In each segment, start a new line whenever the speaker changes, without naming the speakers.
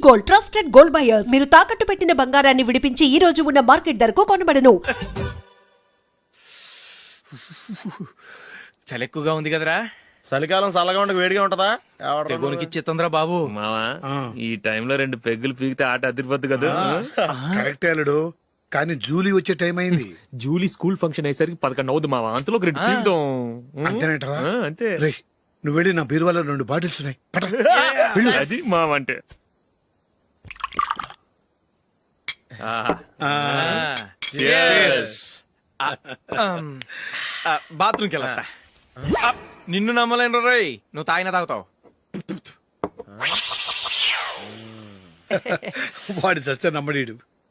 Gold, trusted gold buyers. మీరు తాకట్టు పెట్టిన బంగారాన్ని విడిపించి ఈ రోజు ఉన్న మార్కెట్ ధరకు కొనబడను.
చలి ఎక్కువగా ఉంది కదరా.
చలికాలం చల్లగా ఉండక వేడిగా ఉంటదా?
తెగోనికి చిత్తంద్రా బాబు.
మావా ఈ టైంలో 2 పెగ్గులు పీకితే ఆట అదిరిపోద్దు కదా.
కరెక్టే అల్లుడు, కానీ జూలీ వచ్చే టైం అయింది.
జూలీ స్కూల్ ఫంక్షన్ అయ్యేసరికి 11 అవుద్ది మావా. అంతలో 2 పీకుతాం.
అంతేనేటవా?
అంతే.
రే, నువ్వు వెళ్ళి నా బీరువాలో 2 బాటిల్స్ ఉన్నాయి, పట. వెళ్ళు.
అది మావా అంటే.
బాత్రూమ్కి వెళ్ళా. నిన్ను నమ్మలేను రోయ్, నువ్వు తాగినా తాగుతావు.
వాడి చస్తే నమ్మడీడు.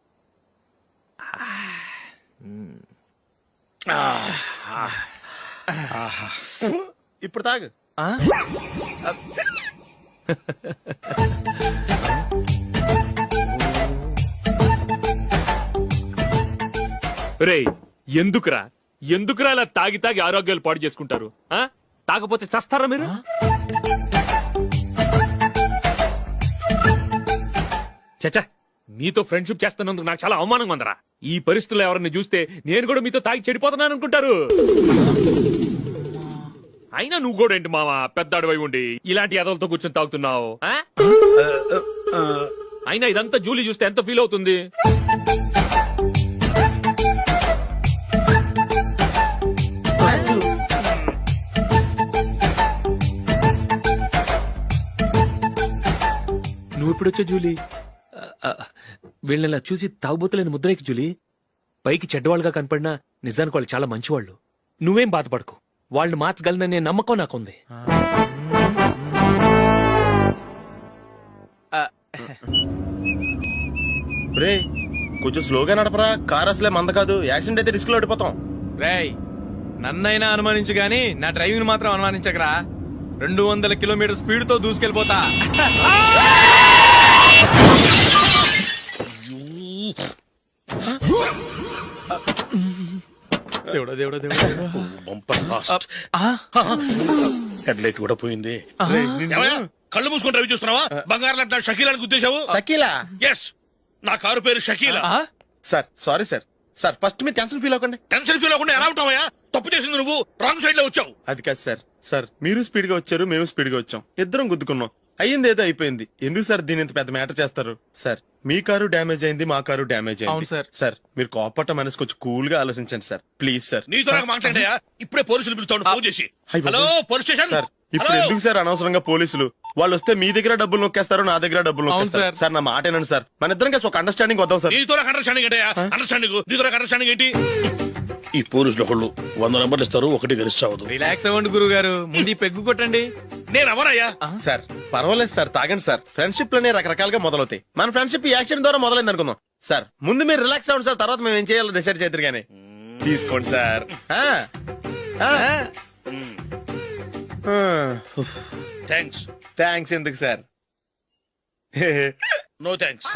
ఇప్పుడు తాగు.
రేయ్, ఎందుకురా ఇలా తాగి తాగి ఆరోగ్యాలు పాడు చేసుకుంటారు? తాగపోతే చస్తారా మీరు? చచ్చా, మీతో ఫ్రెండ్షిప్ చేస్తున్నందుకు నాకు చాలా అవమానంగా ఉందరా. ఈ పరిస్థితుల్లో ఎవరిని చూస్తే నేను కూడా మీతో తాగి చెడిపోతున్నాను అనుకుంటారు. అయినా నువ్వు కూడా ఏంటి మావా, పెద్ద అడవై ఉండి ఇలాంటి ఎదలతో కూర్చొని తాగుతున్నావు? అయినా ఇదంతా జూలీ చూస్తే ఎంత ఫీల్ అవుతుంది? నువ్వు ఇప్పుడొచ్చా జూలీ? వీళ్ళని చూసి తాగుబోతులేని ముద్రేకి జూలీ. పైకి చెడ్డవాళ్ళుగా కనపడినా నిజానికి వాళ్ళు చాలా మంచివాళ్ళు. నువ్వేం బాధపడకు, వాళ్ళని మార్చగలననే నమ్మకం నాకుంది.
రే, కొంచెం స్లోగా నడపరా. కార్ అసలే మంద కాదు. యాక్సిడెంట్ అయితే రిస్క్ లో ఓడిపోతాం.
రేయ్, నన్నైనా అనుమానించు గాని నా డ్రైవింగ్ మాత్రం అనుమానించకరా. 200 కిలోమీటర్ స్పీడ్ తో దూసుకెళ్ళిపోతా. దేవుడా దేవుడా దేవుడా.
హెడ్ లైట్ కూడా పోయింది.
కళ్ళు మూసుకొని రవి చూస్తున్నావా? బంగారం లాంటి షకీలాని గుద్దేశావు.
షకీలా?
ఎస్, నా కారు పేరు Shakeela.
Sir sorry sir. Sir first మీరు టెన్షన్ ఫీల్ అవ్వకండి.
టెన్షన్ ఫీల్ అవ్వకుండా ఎలా ఉంటావయ్యా? తప్పు చేసింది నువ్వు, రాంగ్ సైడ్ లో వచ్చావు.
అది కాదు సార్. సార్ మీరు స్పీడ్ గా వచ్చారు, మేము స్పీడ్ గా వచ్చాం. ఇద్దరం గుద్దుకున్నాం. అయ్యింది ఏదో అయిపోయింది. ఎందుకు సార్ దీని ఇంత పెద్ద మ్యాటర్ చేస్తారు? సార్ మీ కారు డ్యామేజ్ అయింది, మా కారు డ్యామేజ్
అవును
అయింది.
సార్.
సార్ మీరు కోపట్ట మనసు కొంచెం కూల్ గా ఆలోచించండి సార్, ప్లీజ్ సార్.
నీతో నాకు మాట్లాడాయా? ఇప్పుడే పోలీసులు పిలుస్తాను, ఫోన్ చేసి. Hello police station.
సార్ ఇప్పుడు ఎందుకు సార్ అనవసరంగా పోలీసులు? వాళ్ళు వస్తే మీ దగ్గర డబ్బులు నొక్కేస్తారు, నా దగ్గర డబ్బులు నొక్కేస్తారు. సార్ నా మాట ఏనండి సార్, మన ఇద్దరం కలిసి ఒక అండర్స్టాండింగ్ వద్దాం సార్.
నీతో నాకు అండర్స్టాండింగ్ ఏంటయ్యా? అండర్స్టాండింగ్ నీతో నాకు అండర్స్టాండింగ్ ఏంటి?
ఈ పోలీసులు ఒకళ్ళు 100 నెంబర్లు ఇస్తారు, ఒకటి గెలిచావదు.
రిలాక్స్ అవ్వండి గురువు గారు, ముందు ఈ పెగ్గు కొట్టండి.
నేను ఎవరయ్యా?
సార్ పర్వాలేదు సార్, తాగండి సార్. ఫ్రెండ్షిప్ లోనే రకరకాలుగా మొదలవుతాయి. మన ఫ్రెండ్షిప్ ఈ యాక్సిడెంట్ ద్వారా మొదలైంది అనుకుందాం. సార్ ముందు మీరు రిలాక్స్ అవ్వండి సార్, తర్వాత మేము ఏం చేయాలో డిసైడ్ చేద్దరు గానీ. తీసుకోండి సార్.
థ్యాంక్స్.
థ్యాంక్స్ ఎందుకు సార్?
No thanks.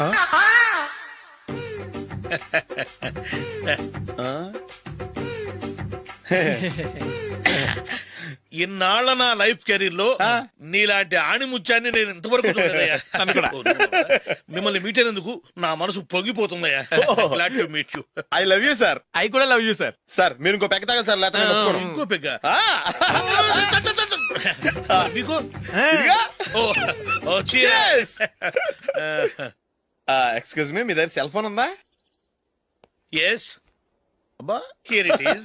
ఇన్నాళ్ల నా లైఫ్ కెరీర్ లో నీలాంటి ఆణిముత్యాన్ని నేను ఇంతవరకు చూడలేదయ్యా. మిమ్మల్ని మీట్ అయినందుకు నా మనసు పొంగిపోతుందయ్యా. Glad to meet you.
I love you sir.
I కూడా లవ్ యూ సార్.
సార్ మీరు ఇంకో పెక్క తాగండి సార్, లేకపోతే నేను ఒప్పుకోను.
ఇంకో పెగ్గ మీకు?
ఎక్స్క్యూజ్ మీ, మీ దగ్గర సెల్ ఫోన్ ఉందా?
ఎస్,
అబ్బా
here it is.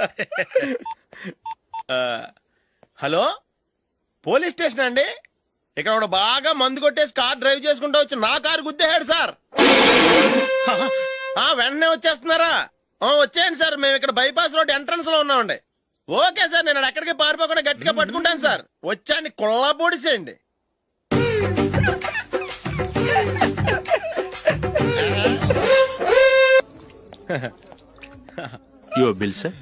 Hello, police station అండి. ఇక్కడ ఒకడు బాగా మందు కొట్టేసి కార్ డ్రైవ్ చేసుకుంటూ వచ్చి నా కారు గుద్దేశాడు సార్. వెంటనే వచ్చేస్తున్నారా? వచ్చేయండి సార్, మేము ఇక్కడ బైపాస్ రోడ్ ఎంట్రన్స్ లో ఉన్నామండి. ఓకే సార్, నేను ఎక్కడికి పారిపోకుండా గట్టిగా పట్టుకుంటాను సార్. వచ్చాండి, కుళ్ళ పొడిసేయండి.
Your bill sir.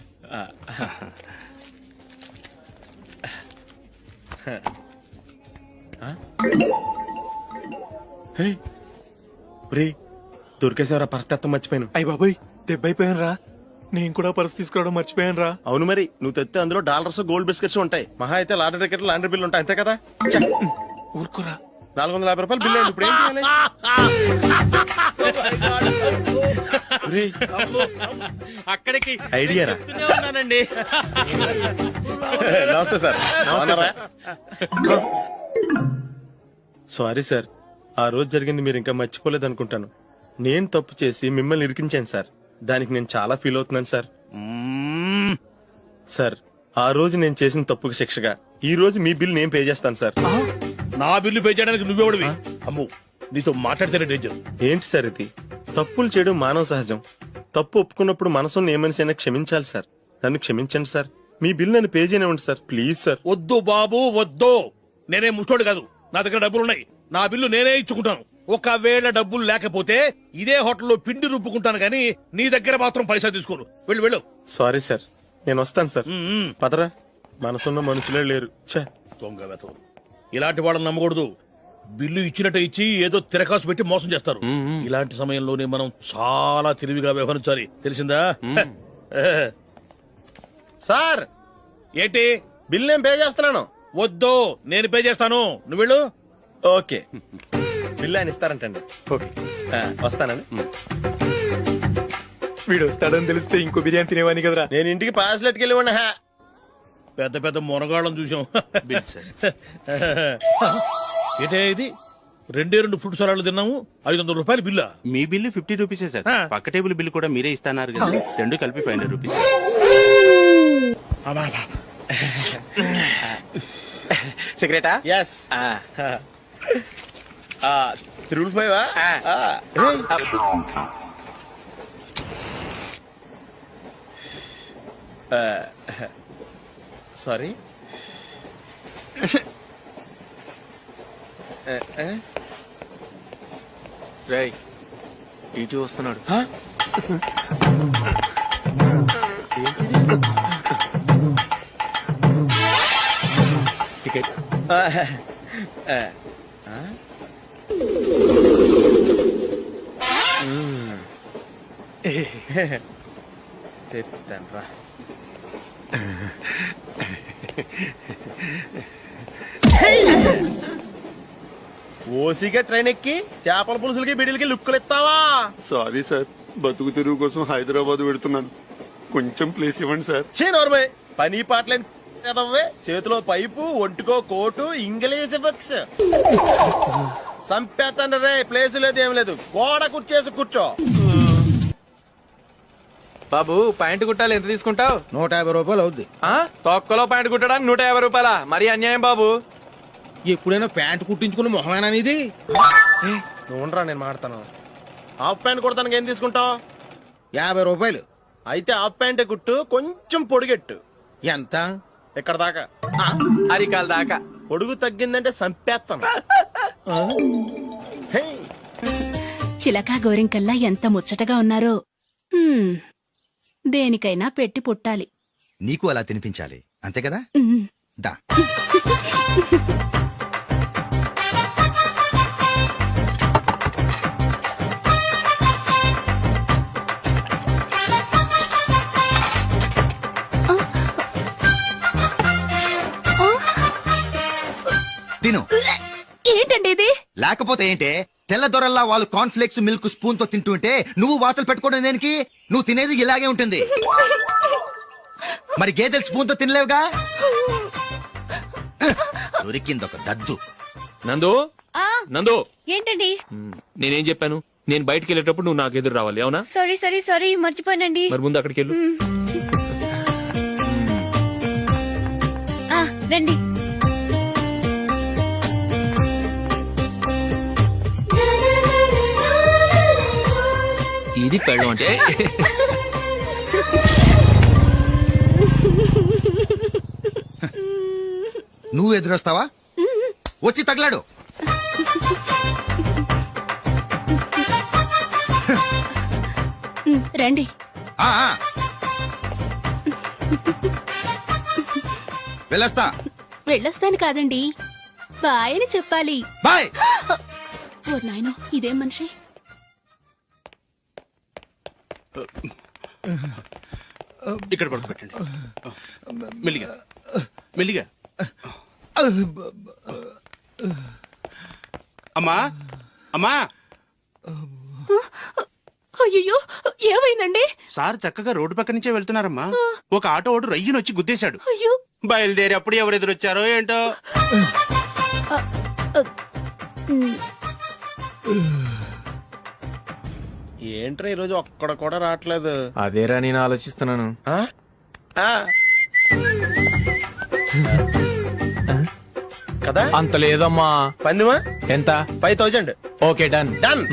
దొరికేసేవరా? పరిస్థితి మర్చిపోయాను.
అయ్య బాబాయ్, దెబ్బైపోయాను రా. నేను కూడా పర్స్ తీసుకురావడం మర్చిపోయాను రా.
అవును మరి, నువ్వు తెస్తే అందులో డాలర్స్ గోల్డ్ బిస్కెట్స్ ఉంటాయి. మహా అయితే లాటరీ టికెట్ లాండ్రీ బిల్లు ఉంటాయి, అంతే కదా.
ఊరుకోరా.
450 రూపాయలు బిల్లు. ఇప్పుడు ఏం చేయాలి?
అక్కడికి
ఐడియా రా.
చెప్తూనే ఉన్నానండి.
నమస్తే సార్. బాగున్నారా? సారీ సార్, ఆ రోజు జరిగింది మీరు ఇంకా మర్చిపోలేదు అనుకుంటాను. నేను తప్పు చేసి మిమ్మల్ని ఇరికించాను సార్. దానికి నేను చాలా ఫీల్ అవుతున్నాను సార్. సార్, ఆ రోజు నేను చేసిన తప్పుకి శిక్షగా ఈ రోజు మీ బిల్ నేను పే చేస్తాను సార్.
నా బిల్లు పే చేయడానికి నువ్వెవడివి? అమ్ము, నీతో మాట్లాడితేనే డేంజర్.
ఏంటి సార్ ఇది? తప్పులు చేయడం మానవ సహజం. తప్పు ఒప్పుకున్నప్పుడు మనసుని ఏ మనిషి అయినా క్షమించాలి సార్. నన్ను క్షమించండి సార్. మీ బిల్ నన్ను పే చేయనివ్వండి సార్, ప్లీజ్ సార్.
వద్దు బాబు వద్దు. నేనే ముష్టోడు కాదు, నా దగ్గర డబ్బులున్నాయి. నా బిల్లు నేనే ఇచ్చుకుంటాను. ఒకవేళ డబ్బులు లేకపోతే ఇదే హోటల్లో పిండి రుబ్బుకుంటాను కానీ నీ దగ్గర మాత్రం పైసా తీసుకోను. వెళ్ళు వెళ్ళు.
సారీ సార్, నేను వస్తాను సార్. పదరా, మనసున్న మనుషులే లేరు. ఛే,
దొంగ వెతవు. ఇలాంటి వాళ్ళని నమ్మకూడదు. బిల్లు ఇచ్చినట్టు ఇచ్చి ఏదో తిరకాసు పెట్టి మోసం చేస్తారు. ఇలాంటి సమయంలోనే మనం చాలా తెలివిగా వ్యవహరించాలి, తెలిసిందా?
సార్
ఏంటి?
బిల్ నేను పే చేస్తున్నాను.
వద్దు, నేను పే చేస్తాను. నువ్వు వెళ్ళు.
ఓకే, బిల్ ఆయన ఇస్తారంటండి.
ఓకే.
వస్తానండి.
వీడు వస్తాడని తెలిస్తే ఇంకో బిర్యానీ తినేవాని కదరా.
నేను ఇంటికి పాస్లెట్కి వెళ్ళి ఉన్నా.
పెద్ద పెద్ద మునగాళ్ళం చూసాం.
Bill sir.
ఏంటే ఇది? 2 ఫుడ్ సలాడ్లు తిన్నాము, 500 రూపాయలు బిల్లా?
మీ బిల్లు 50 రూపీసే సార్.
ఆ.
పక్క టేబుల్ బిల్లు కూడా మీరే ఇస్తాన్నారు కదా, రెండు కలిపి 500 రూపీస్.
సిగరెటా?
ఎస్. 3 సారీ.
రేయ్, ఇటు వస్తున్నాడు. టికెట్.
చెప్తాను రా. ఓసిగా ట్రైన్ ఎక్కి చేపల పులుసులకి బిడిలకి లుక్కులు ఇస్తావా?
సారీ సార్, బతుకు తెరువు కోసం హైదరాబాద్ పెడుతున్నాను. కొంచెం ప్లేస్ ఇవ్వండి సార్.
నోర్మే, పని పాటలేని ఎదవ్వే. చేతిలో పైపు, ఒంటికో కోటు, ఇంగ్లీష్ బుక్స్. సంపేతండ్రి రే, ప్లేస్ లేదు ఏం లేదు. గోడ కుర్చేసి కూర్చో.
బాబు, ప్యాంట్ కుట్టాలి, ఎంత తీసుకుంటావు?
150 రూపాయలు అవుద్ది.
తొక్కలో ప్యాంట్ కుట్టడానికి 150 రూపాయల? మరి అన్యాయం బాబు.
ఎప్పుడైనా ప్యాంట్ కుట్టించుకున్న మొహమేనా ఇది?
నువ్వురా, నేను మాడతాను. హాఫ్ ప్యాంట్ కుడతానికి ఏం తీసుకుంటావు?
50 రూపాయలు.
అయితే హాఫ్ ప్యాంటే కుట్టు, కొంచెం పొడిగెట్టు.
ఎంత?
ఇక్కడ దాకా,
అరికాల దాకా.
పొడుగు తగ్గిందంటే సంపేస్తాను. హే,
చిలకా గోరింకల్లా ఎంత ముచ్చటగా ఉన్నారో. దేనికైనా పెట్టి పుట్టాలి.
నీకు అలా తినిపించాలి, అంతే కదా? దా. తిను.
ఏంటండి ఇది?
లేకపోతే ఏంటే? తెల్లదొరల్లా వాళ్ళు కార్న్ఫ్లేక్స్ మిల్క్ స్పూన్ తో తింటుంటే నువ్వు వాతలు పెట్టుకోవడం దేనికి? నువ్వు తినేది ఇలాగే ఉంటుంది. మరి గేదెలు స్పూన్ తో తినలేవుగా. దొరికింది ఒక దద్దు.
నందు, నందు,
ఏంటండి?
నేనేం చెప్పాను? నేను బయటికి వెళ్ళేటప్పుడు నువ్వు నాకు ఎదురు రావాలి, అవునా?
సారీ మర్చిపోయానండి.
మరి ముందు అక్కడికి వెళ్ళు.
రండి.
ఇది పెళ్ళం అంటే.
నువ్వు ఎదురొస్తావా? వచ్చి తగలాడు.
రండి.
ఆ, ఆ. వెళ్ళొస్తా.
వెళ్ళొస్తాను కాదండి, బాయ్ అని చెప్పాలి.
బాయ్.
ఓ నాయనో, ఇదేం మనిషి?
ఇక్కడ పడుకోబెట్టండి. మెల్లిగా మెల్లిగా. అమ్మా, అమ్మా,
అయ్యో ఏమైందండి?
సార్ చక్కగా రోడ్డు పక్క నుంచే వెళ్తున్నారమ్మా ఒక ఆటో ఓడు రయ్యను వచ్చి గుద్దేశాడు.
అయ్యో
బయలుదేరి అప్పుడు ఎవరు ఎదురొచ్చారో ఏంటో.
ఏంట్రా ఈ రోజు ఒక్కడ కూడా రావట్లేదు.
అదేరా నేను ఆలోచిస్తున్నాను.
ఆ? ఆ. కదా
అంత లేదమ్మా.
పందిమా
ఎంత?
5000.
Okay done.
డన్.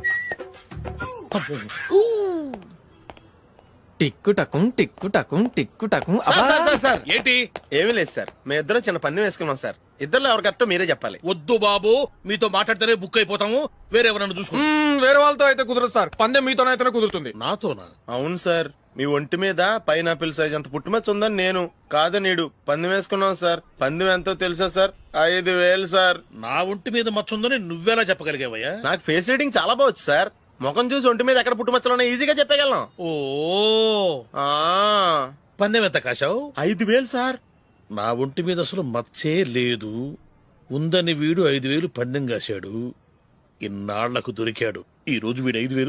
టిక్కు టకుం టిక్కు టకుం టిక్కు టకుం.
సార్
ఏంటి?
ఏమీ లేదు సార్, మేము ఇద్దరం చిన్న పందెం వేసుకున్నాం సార్. ఇద్దరు ఎవరు కరెక్టో మీరే చెప్పాలి.
వద్దు బాబు, మీతో మాట్లాడితేనే బుక్ అయిపోతాము. వేరే ఎవరన్నా చూసుకుంటాం.
వేరే వాళ్ళతో అయితే కుదరదు సార్, పందెం మీతోనైతేనే కుదురుతుంది.
నాతోనా?
అవును సార్, మీ ఒంటి మీద పైనాపిల్ సైజ్ అంత పుట్టుమచ్చ ఉందని నేను కాదు నీడు పందెం వేసుకున్నాం సార్. పందెం ఎంతో తెలుసా సార్? 5000 సార్.
నా ఒంటి మీద మచ్చ ఉందని నువ్వెలా చెప్పగలిగావయ్యా?
నాకు ఫేస్ రీడింగ్ చాలా బాగుంది సార్. ముఖం చూసి ఒంటి మీద ఎక్కడ పుట్టుమచ్చలో ఈజీగా చెప్పగలం.
ఓ
ఆ,
పందెం ఎంత కాశావు?
5000 సార్.
నా ఒంటి మీద అసలు మచ్చే లేదు. ఉందని వీడు 5000 పందెం కాశాడు. ఇన్నాళ్లకు దొరికాడు. ఈ రోజు వీడు 5000.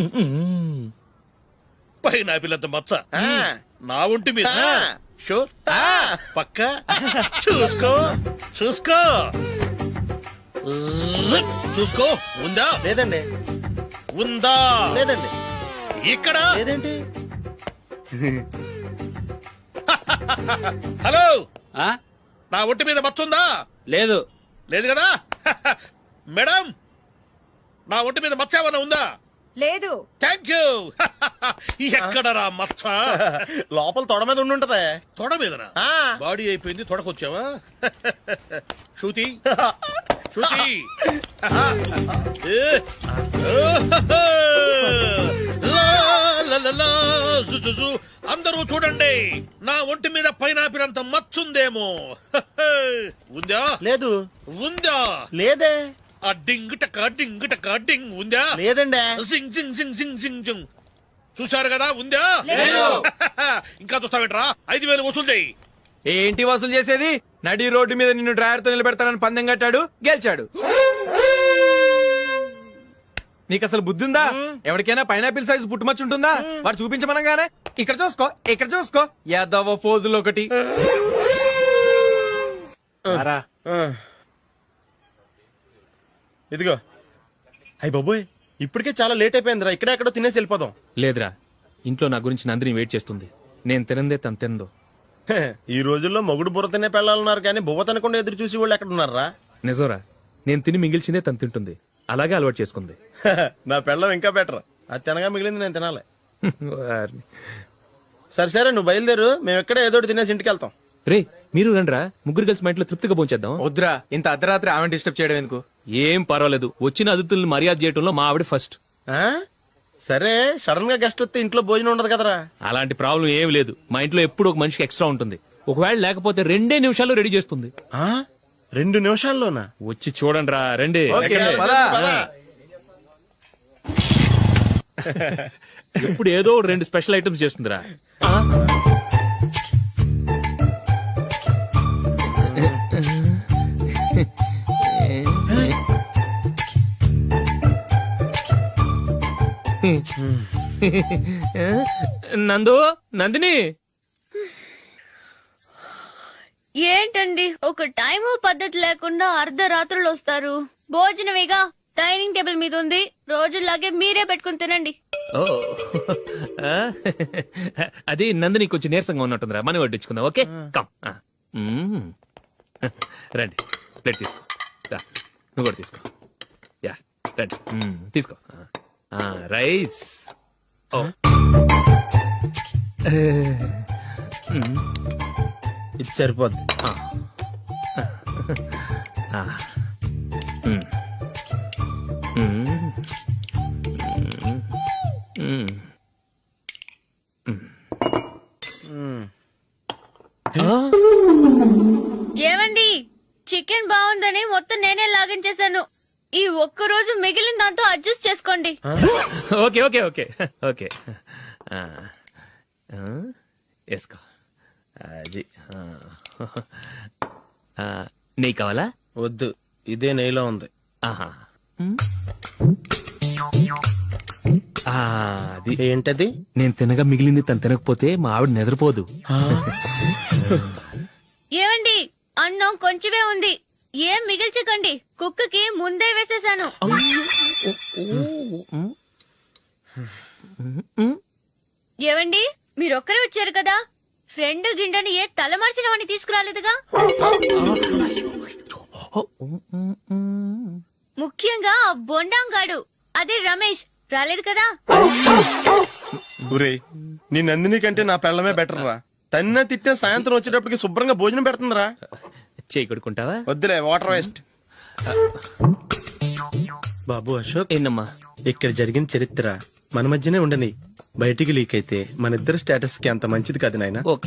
పైన పిల్లంత మచ్చ
ఆ.
నా ఒంటి మీద.
ఆ.
షూర్
ఆ.
పక్క చూసుకో చూసుకో చూసుకో. ఉందా?
లేదండి.
ఉందా?
లేదండి.
ఇక్కడ
లేదేంటి?
హలో,
ఆ?
నా ఒంటి మీద మచ్చ ఉందా?
లేదు.
లేదు కదా? మేడం, నా ఒంటి మీద మచ్చ ఏమన్నా ఉందా?
లేదు.
Thank you. ఎక్కడరా మచ్చ?
లోపల తొడ మీద ఉండుంటదే.
తొడ మీదనా?
ఆ.
బాడీ అయిపోయింది, తొడకొచ్చావా? శృతి శృతి. ఏ. లా, లా, లా, లా, జు, జు, జు. అందరూ చూడండి, నా ఒంటి మీద పైనాపిల్ అంత మచ్చుందేమో. ఉందా?
లేదు.
ఉందా?
లేదే.
ఆ డింగ్ టక డింగ్ టక డింగ్ ఉందా?
లేదండి.
జింగ్ జింగ్ జింగ్ జింగ్ జింగ్ జింగ్. చూశారు కదా? ఉందా? ఇంకా చూస్తావేంట్రా? 5000 వసూలు చేయి.
ఏంటి వసూలు చేసేది? నడి రోడ్డు మీద నిన్ను డ్రైవర్ తో నిలబెడతానని పందెం కట్టాడు, గెలిచాడు. నీకు అసలు బుద్ధి ఉందా? ఎవరికైనా పైనాపిల్ సైజ్ పుట్టుమచ్చు ఉంటుందా? వాడు చూపించమనగానే ఇక్కడ చూసుకో, ఇక్కడ చూసుకో, యాదవ ఫోజులు ఒకటి. రా.
ఆ. ఇదిగో. అయ్య బాబోయ్, ఇప్పటికే చాలా లేట్ అయిపోయిందిరా. ఇక్కడే ఎక్కడో తినేసి వెళ్ళిపోదాం.
లేదురా, ఇంట్లో నా గురించి నందిని వెయిట్ చేస్తుంది. నేను తినందే తను తిందో.
హే, ఈ రోజుల్లో మొగుడు బుర్ర తినే పెళ్ళాలన్నారు కానీ బువ్వ తినకుండా ఎదురు చూసి వాళ్ళు ఎక్కడ ఉన్నారా?
నిజంరా, నేను తిని మిగిల్చిందే తను తింటుంది. అలాగే అలవాటు చేసుకుంది.
నా పెళ్ళం ఇంకా బెటర్. అది తినగా మిగిలింది నేను తినాలి.
వారిని.
సరే సరే, నువ్వు బయలుదేరు. మేము ఎక్కడ ఏదో ఒకటి తినేసి ఇంటికి వెళ్తాం.
రే, మీరు రండ్రా, ముగ్గురు కలిసి మా ఇంట్లో తృప్తిగా పోంచేద్దాం.
వద్దురా, ఇంత అర్ధరాత్రి ఆమె డిస్టర్బ్ చేయడం ఎందుకు?
ఏం పర్వాలేదు, వచ్చిన అతిథులను మర్యాద చేయడంలో మా ఆవిడ ఫస్ట్.
ఆ? సరే, సడన్ గా గెస్ట్ వస్తే ఇంట్లో భోజనం ఉండదు కదరా.
అలాంటి ప్రాబ్లం ఏం లేదు. మా ఇంట్లో ఎప్పుడు ఒక మనిషికి ఎక్స్ట్రా ఉంటుంది. ఒకవేళ లేకపోతే 2 నిమిషాల్లో రెడీ చేస్తుంది.
ఆ? 2 నిమిషాల్లోనా?
వచ్చి చూడండి రా, రండి.
ఓకే, పద.
పద.
ఇప్పుడు ఏదో 2 స్పెషల్ ఐటమ్స్ చేస్తుందిరా. నందు, నందిని.
ఏంటండి ఒక టైము పద్ధతి లేకుండా అర్ధరాత్రులు వస్తారు? భోజనమేగా డైనింగ్ టేబుల్ మీద ఉంది. రోజుల్లాగే మీరే పెట్టుకుని తినండి.
ఓ, అది నందిని కొంచెం నీరసంగా ఉన్నట్టుందిరా, మనం వడ్డించుకుందాం. Okay, come. రండి, ప్లేట్ తీసుకో. రా, నువ్వు కూడా తీసుకో. యా, రండి. తీసుకో. రైస్. ఓ,
ఇది సరిపోద్ది.
ఏమండి, చికెన్ బాగుందని మొత్తం నేనే లాగించేశాను. ఈ ఒక్క రోజు మిగిలిన దాంతో అడ్జస్ట్ చేసుకోండి.
Okay okay okay okay. వేసుకో. అది నెయ్యి కావాలా?
వద్దు, ఇదే నెయ్యిలో ఉంది.
ఆహా. ఆ, అది
ఏంటది?
నేను తినగా మిగిలింది తను తినకపోతే మా ఆవిడ నిద్రపోదు.
ఏమండి అన్నం కొంచెమే ఉంది, ఏం మిగిల్చకండి, కుక్కకి ముందే వేసేసాను. ఏవండి మీరొక్కరే వచ్చారు కదా, ఫ్రెండ్ గిండెని ఏ తలమార్చిన వాడిని తీసుకురాలేదుగా. ముఖ్యంగా ఆ బొండాంగాడు అదే రమేష్ రాలేదు కదా.
ఒరే నీ నందిని కంటే నా పెళ్ళమే బెటర్ రా. తన్న తిట్టిన సాయంత్రం వచ్చేటప్పటికి శుభ్రంగా భోజనం పెడుతుందిరా.
చేయి కొడుకుంటావా?
వద్దులే, వాటర్ వేస్ట్. బాబు అశోక్,
ఏంటమ్మా?
ఇక్కడ జరిగిన చరిత్ర మన మధ్యనే ఉండని, బయటికి లీక్ అయితే మన ఇద్దరు స్టేటస్ కి అంత మంచిది కాదు నాయన.
ఓకే.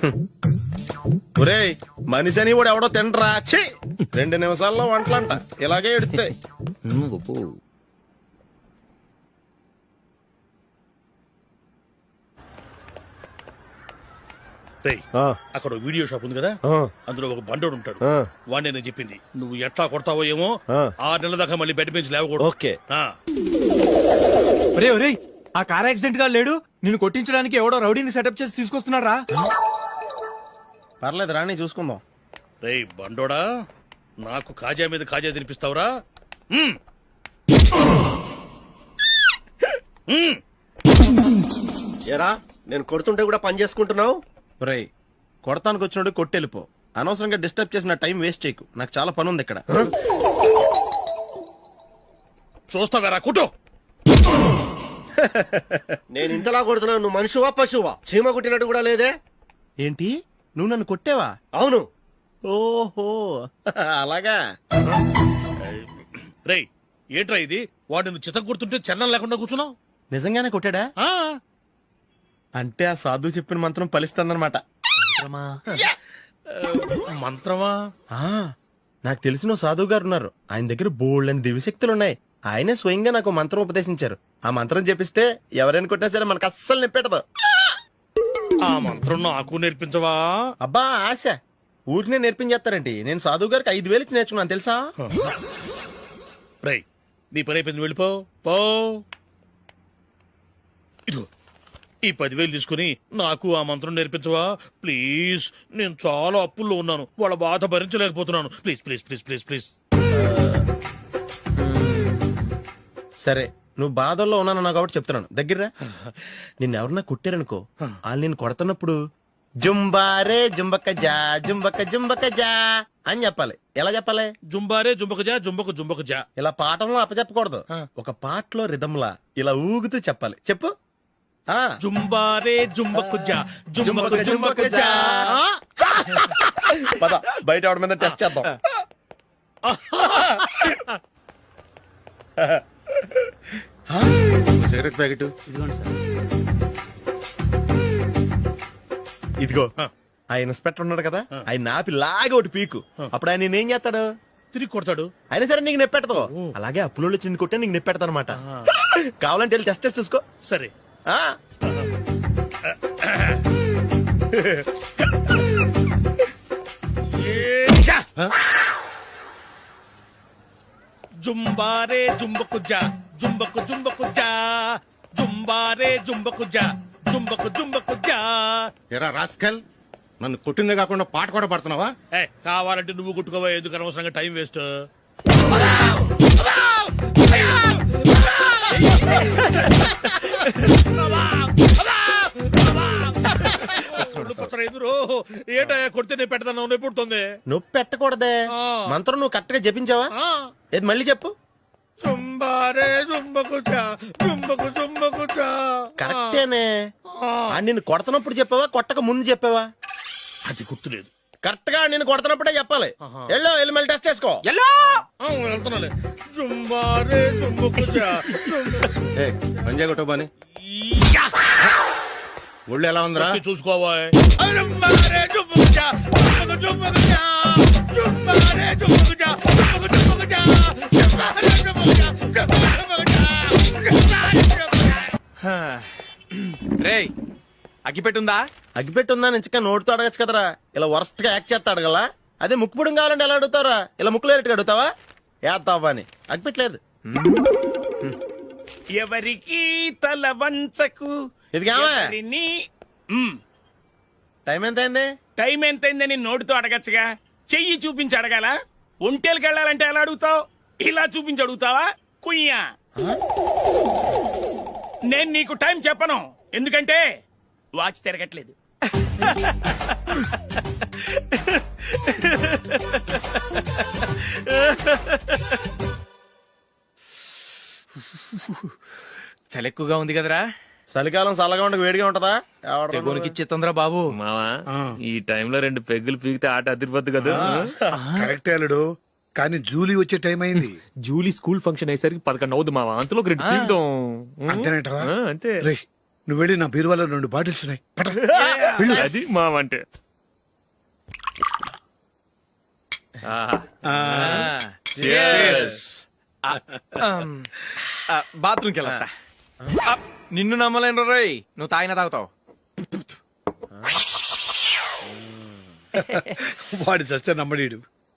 ఒరేయ్ మనిషి అని కూడా ఎవడో తినరా. ఛీ 2 నిమిషాల్లో వంటలంట ఇలాగే ఎడుతాయి.
గొప్ప.
రేయ్, అక్కడ ఓ వీడియో షాప్ ఉంది కదా, అందులో ఒక బండోడు ఉంటాడు. వాడిని నేను చెప్పింది నువ్వు ఎట్లా కొడతావో ఏమో, 6 నెలల దాకా మళ్ళీ బెడ్ బెంచ్ లేవకూడదు.
ఓకే.
ఒరే ఒరే, ఆ కార్ యాక్సిడెంట్ గా లేడు, నిన్ను కొట్టించడానికి ఎవడో రౌడీని సెటప్ చేసి తీసుకొస్తున్నారా?
పర్లేదు రాని చూసుకుందాం.
రేయ్ బండోడా, నాకు కాజా మీద కాజా తినిపిస్తావురా?
ఎరా నేను కొడుతుంటే కూడా పని చేసుకుంటున్నావు. ఒరేయ్ కొడతానికి వచ్చినట్టు కొట్టెళ్ళిపో. అనవసరంగా డిస్టర్బ్ చేసిన టైం వేస్ట్ చేయకు, నాకు చాలా పని ఉంది ఇక్కడ.
చూస్తావేరా కుట్టు.
నేను ఇంతలా కొడుతున్నావు, నువ్వు మనిషివా పశువా? చీమ కుట్టినట్టు కూడా లేదే. ఏంటి నువ్వు నన్ను కొట్టేవా? అవును. ఓహో అలాగా.
రేయ్ ఏంట్రా ఇది, వాడు నువ్వు చిత్త గుర్తుంటే చలనం లేకుండా కూర్చున్నావు.
నిజంగానే కొట్టాడా? అంటే ఆ సాధువు చెప్పిన మంత్రం ఫలిస్తుందన్నమాట.
మంత్రమా?
నాకు తెలిసిన సాధువు గారు ఉన్నారు, ఆయన దగ్గర బోల్డ్ అని దివ్యశక్తులు ఉన్నాయి. ఆయనే స్వయంగా నాకు మంత్రం ఉపదేశించారు. ఆ మంత్రం చెప్పిస్తే ఎవరైనా కొట్టినా సరే మనకు అస్సలు నిప్పెట్టదు.
ఆ మంత్రం నాకు నేర్పించవా?
అబ్బా ఆశ, ఊరినే నేర్పించేస్తారండి. నేను సాధువు గారికి 5,000 ఇచ్చి నేర్చుకున్నాను తెలుసా.
రేయ్ నీ పని అయిపోయింది, వెళ్ళిపో పో. ఇదిగో ఈ 10,000 తీసుకుని నాకు ఆ మంత్రం నేర్పించవా ప్లీజ్. నేను చాలా అప్పుల్లో ఉన్నాను, వాళ్ళ బాధ భరించలేకపోతున్నాను. Please please please please please.
సరే నువ్వు బాధల్లో ఉన్నాను నాకు కాబట్టి చెప్తున్నాను, దగ్గర నిన్ను ఎవరన్నా కుట్టారనుకో, వాళ్ళు నేను కొడుతున్నప్పుడు జుంబారే జుంబక జా జుంబక జుంబక జా అని చెప్పాలి. ఎలా చెప్పాలి?
జుంబారే జుంబకు జా జుంబకు జుంబకు జా.
ఇలా పాఠంలో అప్పచెప్పకూడదు, ఒక పాటలో రిధంలా ఇలా ఊగుతూ చెప్పాలి. చెప్పు.
జుంబారే జుంబకు జా జుంబకు జుంబకు జా.
పద బయట ఆవిడ మీద టెస్ట్ చేద్దాం. సిగరెట్ ప్యాకెట్ ఇదిగో. ఆ ఇన్స్పెక్టర్ ఉన్నాడు కదా, ఆయన నాపి లాగే ఒకటి పీకు. అప్పుడు ఆయన నేనేం చేస్తాడు?
తిరిగి కొడతాడు.
అయినా సరే నీకు నెప్పెడతావు. అలాగే అప్పులో చిన్న కొట్టే నీకు నెప్పెడతా అనమాట. కావాలంటే వెళ్ళి టెస్ట్ చేసి చూసుకో.
సరే. జుంబారే జుంబకు జా జుంబకు జుంబకు జా జుంబారే జుంబకు జా జుంబకు జుంబకు జా.
ఎరా రాస్కల్, నన్ను కొట్టిందే కాకుండా పాట కూడా పడుతున్నావా?
కావాలంటే నువ్వు కొట్టుకోవా, ఎందుకు అనవసరంగా టైం వేస్ట్. ఏంటయ్యా కొడితే నేను పెడతాను, నొప్పి పుడుతుంది.
నొప్పి పెట్టకూడదే, మంత్రం నువ్వు కరెక్ట్ గా జపించావా? ఏది మళ్ళీ చెప్పు.
జుంబారే జుంబకు జా జుంబకు జుంబకు జా.
కరెక్టేనే. నిన్ను కొడుతున్నప్పుడు చెప్పావా, కొట్టక ముందు చెప్పావా?
అది గుర్తులేదు.
కరెక్ట్ గా నేను కొడుతున్నప్పుడే చెప్పాలి. వెళ్ళి మళ్ళీ టెస్ట్ చేసుకో.
వెళ్తున్నాలే. జుంబారే జుంబకు జా
పంజా కొట్టబాని ఒళ్ళు ఎలా ఉందిరా
చూసుకోవా. జుంబారే జుంబకు జా జుంబకు జుంబకు జా జుంబారే జుంబకు జా జుంబకు జుంబకు జా జుంబారే జుంబకు జా జుంబకు జుంబకు జా.
రేయ్ అగ్గిపెట్టుందా?
అగ్గిపెట్టుందా నుంచి నోటితో అడగచ్చు కదరా. ఇలా వరస్ట్ గా యాక్ట్ చేస్తా అడగలా. అదే ముక్కుపుడం కావాలంటే ఎలా అడుగుతారా? ఇలా ముక్కులేటట్టు అడుగుతావా? ఏత్తావా అని. అగ్గిపెట్టలేదు.
ఎవరికి తల వంచకు
ఇది కావా?
ఎవరిని
టైం ఎంత అయింది?
టైం ఎంతైందని నోటితో అడగచ్చుగా, చెయ్యి చూపించి అడగాల? ఒంటేలకు వెళ్ళాలంటే ఎలా అడుగుతావు? ఇలా చూపించి అడుగుతావా? కుయ్యా. నేను నీకు టైం చెప్పను, ఎందుకంటే వాచ్ తిరగట్లేదు.
చలి ఎక్కువగా ఉంది కదరా,
చలికాలం చల్లగా ఉండక వేడిగా ఉంటదా? ఎవడ్రా
తెగోనికి ఇచ్చేతుందిరా బాబు.
మావా ఈ టైంలో 2 పెగ్గులు పీకితే ఆట అదిరిపోద్దు కదా.
కరెక్ట్ అల్లుడు, కానీ జూలీ వచ్చే టైం అయింది.
జూలీ స్కూల్ ఫంక్షన్ అయ్యేసరికి 11 అవుద్ది మావా, అంతలో 2 పీకుదాం.
అంతేనంటావా?
అంతే.
రే, నువ్వు వెళ్ళి నా బీరువాలో 2 బాటిల్స్ ఉన్నాయి. పట.
అది మావా అంటే.
బాత్రూమ్కి వెళ్ళా. నిన్ను నమ్మలేను రోయ్, నువ్వు తాగినా తాగుతావు.
వాడి చస్తే నమ్మడీడు.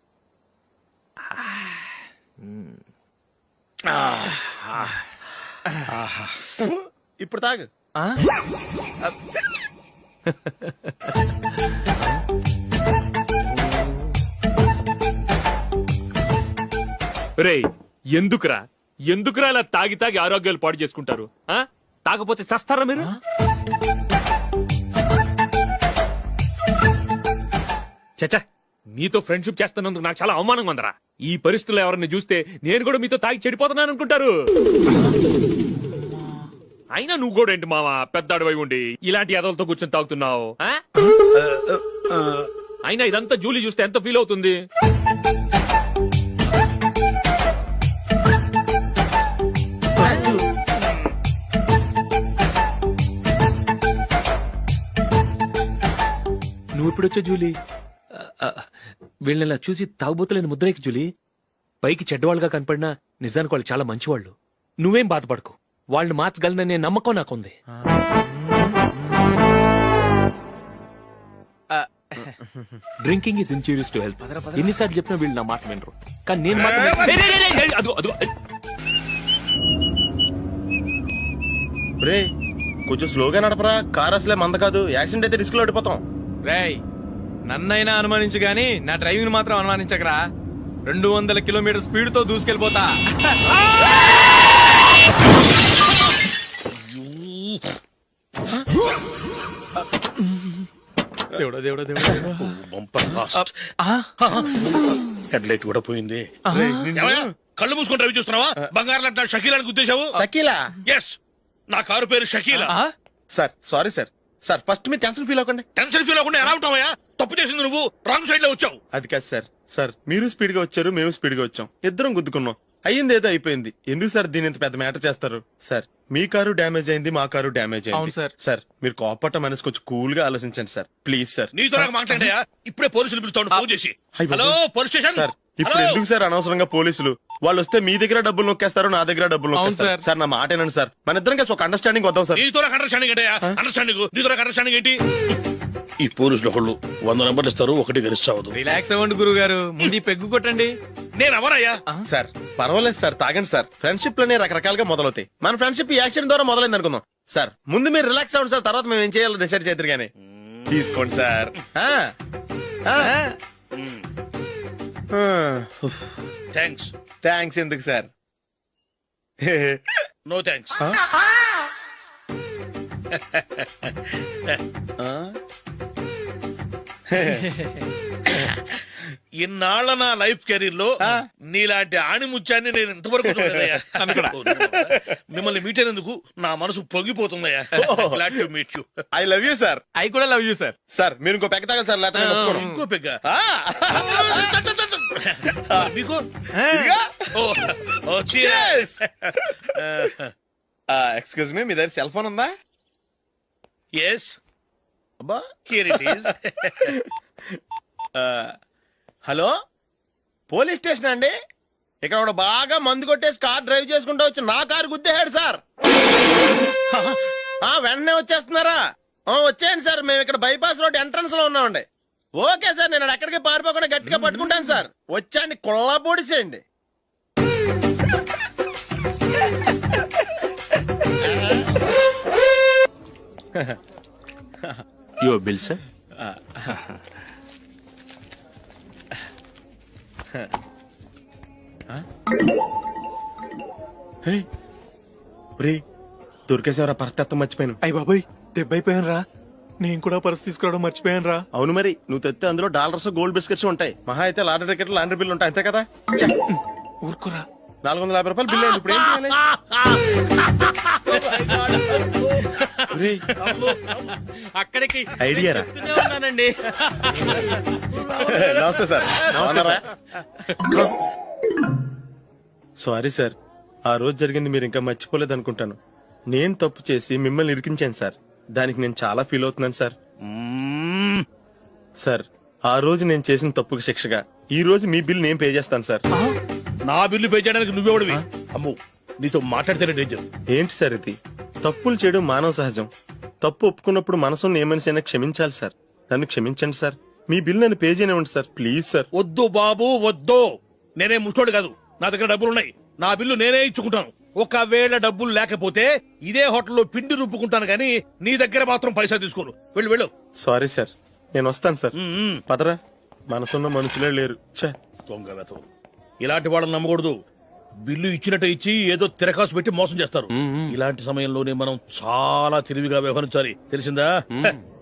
ఇప్పుడు తాగు.
రేయ్ ఎందుకురా ఇలా తాగి తాగి ఆరోగ్యాలు పాడు చేసుకుంటారు? తాగపోతే చస్తారా మీరు? చచ్చా, మీతో ఫ్రెండ్షిప్ చేస్తున్నందుకు నాకు చాలా అవమానంగా ఉందరా. ఈ పరిస్థితుల్లో ఎవరిని చూస్తే నేను కూడా మీతో తాగి చెడిపోతున్నాను అనుకుంటారు. అయినా నువ్వు కూడా ఏంటి మావా, పెద్ద అడవై ఉండి ఇలాంటి ఎదలతో కూర్చొని తాగుతున్నావు? అయినా ఇదంతా జూలీ చూస్తే ఎంత ఫీల్ అవుతుంది? నువ్వు ఎప్పుడొచ్చా జూలీ? వీళ్ళని చూసి తాగుబోతులేని ముద్రేకి జూలీ. పైకి చెడ్డవాళ్ళుగా కనపడినా నిజానికి వాళ్ళు చాలా మంచివాళ్ళు. నువ్వేం బాధపడకు, వాళ్ళని మార్చగలననే నమ్మకం నాకుంది. Drinking is injurious to health. ఎన్నిసార్లు చెప్పినా వీళ్ళు నా మాట వినరు, కానీ నేను మాత్రం
రే కొంచెం స్లోగా నడపరా, కార్ అసలే మంద కాదు. యాక్సిడెంట్ అయితే రిస్క్ లో ఓడిపోతాం.
రేయ్, నన్నైనా అనుమానించు గాని నా డ్రైవింగ్ మాత్రం అనుమానించకరా. 200 కిలోమీటర్ స్పీడ్ తో దూసుకెళ్ళిపోతా. దేవుడా దేవుడా దేవుడా.
హెడ్ లైట్ కూడా పోయింది.
ఏమయ్యా, కళ్ళు మూసుకొని రవి చూస్తున్నావా? బంగారం లాంటి షకీలాని గుద్దేశావు.
షకీలా?
ఎస్, నా కారు పేరు Shakeela.
Sir sorry sir. Sir first మీరు టెన్షన్ ఫీల్ అవ్వకండి.
టెన్షన్ ఫీల్ అవ్వకుండా ఎలా ఉంటావయ్యా? తప్పు చేసింది నువ్వు, రాంగ్ సైడ్ లో వచ్చావు.
అది కాదు సార్. సార్ మీరు స్పీడ్ గా వచ్చారు, మేము స్పీడ్ గా వచ్చాం, ఇద్దరం గుద్దుకున్నాం. అయ్యింది ఏదో అయిపోయింది. ఎందుకు సార్ దీని ఇంత పెద్ద మ్యాటర్ చేస్తారు? సార్ మీ కారు డ్యామేజ్ అయింది, మా కారు డ్యామేజ్
అవును
అయింది.
సార్.
సార్ మీరు కోపట్ట మనసు కొంచెం కూల్ గా ఆలోచించండి సార్, ప్లీజ్ సార్.
నీతో నాకు మాట్లాడాయా? ఇప్పుడే పోలీసులు పిలుస్తాను, ఫోన్ చేసి.
అయ్ బాబోయ్.
Hello police station.
సార్ ఇప్పుడు
హలో?
ఎందుకు సార్ అనవసరంగా పోలీసులు? వాళ్ళు వస్తే మీ దగ్గర డబ్బులు నొక్కేస్తారు, నా దగ్గర డబ్బులు
అవును
నొక్కేస్తారు.
సార్.
సార్ నా మాట ఏనండి సార్, మన ఇద్దరం కలిసి ఒక అండర్స్టాండింగ్ వద్దాం సార్.
నీతో నాకు అండర్స్టాండింగ్ ఏంటయ్యా? అండర్స్టాండింగ్ నీతో నాకు అండర్స్టాండింగ్ ఏంటి?
ఈ పోలీసులు ఒకళ్ళు 100 నెంబర్లు ఇస్తారు, ఒకటి గెలిచావదు.
రిలాక్స్ అవ్వండి గురువు గారు, ముందు ఈ పెగ్గు కొట్టండి.
నేను ఎవరయ్యా?
సార్ పర్వాలేదు సార్, తాగండి సార్. ఫ్రెండ్షిప్ లోనే రకరకాలుగా మొదలవుతాయి. మన ఫ్రెండ్షిప్ ఈ యాక్సిడెంట్ ద్వారా మొదలైంది అనుకుందాం. సార్ ముందు మీరు రిలాక్స్ అవ్వండి సార్, తర్వాత మేము ఏం చేయాలో డిసైడ్ చేద్దరు గానీ. తీసుకోండి సార్.
థ్యాంక్స్.
థ్యాంక్స్ ఎందుకు సార్?
No thanks. ఇన్నాళ్ళ నా లైఫ్ కెరీర్ లో నీలాంటి ఆణిముత్యాన్ని నేను ఇంతవరకు చూడలేదయ్యా. మిమ్మల్ని మీట్ అయినందుకు నా మనసు పొంగిపోతుందయ్యా. Glad to meet you.
I love you sir.
I కూడా లవ్ యూ సార్.
సార్ మీరు ఇంకో పెక్క తాగండి సార్, లేకపోతే నేను ఒప్పుకోను.
ఇంకో పెగ్గ మీకు?
ఎక్స్క్యూజ్ మీ, మీ దగ్గర సెల్ ఫోన్ ఉందా?
ఎస్,
అబ్బా
here it is.
Hello, police station అండి. ఇక్కడ ఒకడు బాగా మందు కొట్టేసి కార్ డ్రైవ్ చేసుకుంటూ వచ్చి నా కారు గుద్దేశాడు సార్. వెంటనే వచ్చేస్తున్నారా? వచ్చేయండి సార్, మేము ఇక్కడ బైపాస్ రోడ్ ఎంట్రన్స్ లో ఉన్నామండి. ఓకే సార్, నేను ఎక్కడికి పారిపోకుండా గట్టిగా పట్టుకుంటాను సార్. వచ్చాండి, కుళ్ళ పొడిసేయండి.
Your bill sir.
దొరికేసేవరా పరిస్థితి మర్చిపోయాను.
అయ్య బాబాయ్ దెబ్బైపోయాను రా. నేను కూడా పర్స్ తీసుకురావడం మర్చిపోయాను రా.
అవును మరి, నువ్వు తెస్తే అందులో డాలర్స్ గోల్డ్ బిస్కెట్స్ ఉంటాయి. మహా అయితే లాటరీ టికెట్ లాండ్రీ బిల్లు ఉంటాయి, అంతే కదా.
ఊరుకురా.
450 రూపాయలు బిల్లు అయింది. ఇప్పుడు ఏం చేయాలి? ఒరేయ్,
అక్కడికి
ఐడియా రా.
చెప్తూనే ఉన్నానండి.
నమస్తే సార్. సారీ సార్, ఆ రోజు జరిగింది మీరు ఇంకా మర్చిపోలేదు అనుకుంటాను. నేను తప్పు చేసి మిమ్మల్ని ఇరికించాను సార్. దానికి నేను చాలా ఫీల్ అవుతున్నాను సార్. సార్, ఆ రోజు నేను చేసిన తప్పుకి శిక్షగా ఈ రోజు మీ బిల్ నేను పే చేస్తాను సార్.
నా బిల్లు పే చేయడానికి నువ్వెవడివి? అమ్ము, నీతో మాట్లాడితేనే డేంజర్.
ఏంటి సార్ ఇది? తప్పులు చేయడం మానవ సహజం. తప్పు ఒప్పుకున్నప్పుడు మనసుని ఏ మనిషి అయినా క్షమించాలి సార్. నన్ను క్షమించండి సార్. మీ బిల్ నన్ను పే చేయనివ్వండి సార్, ప్లీజ్ సార్.
వద్దు బాబు వద్దు. నేనే ముష్టోడు కాదు, నా దగ్గర డబ్బులున్నాయి. నా బిల్లు నేనే ఇచ్చుకుంటాను. ఒకవేళ డబ్బులు లేకపోతే ఇదే హోటల్లో పిండి రుబ్బుకుంటాను కానీ నీ దగ్గర మాత్రం పైసా తీసుకోను. వెళ్ళు వెళ్ళు.
సారీ సార్, నేను వస్తాను సార్. పదరా, మనసున్న మనుషులే లేరు. ఛే,
దొంగ వెతవు. ఇలాంటి వాళ్ళని నమ్మకూడదు. బిల్లు ఇచ్చినట్టు ఇచ్చి ఏదో తిరకాసు పెట్టి మోసం చేస్తారు. ఇలాంటి సమయంలోనే మనం చాలా తెలివిగా వ్యవహరించాలి, తెలిసిందా?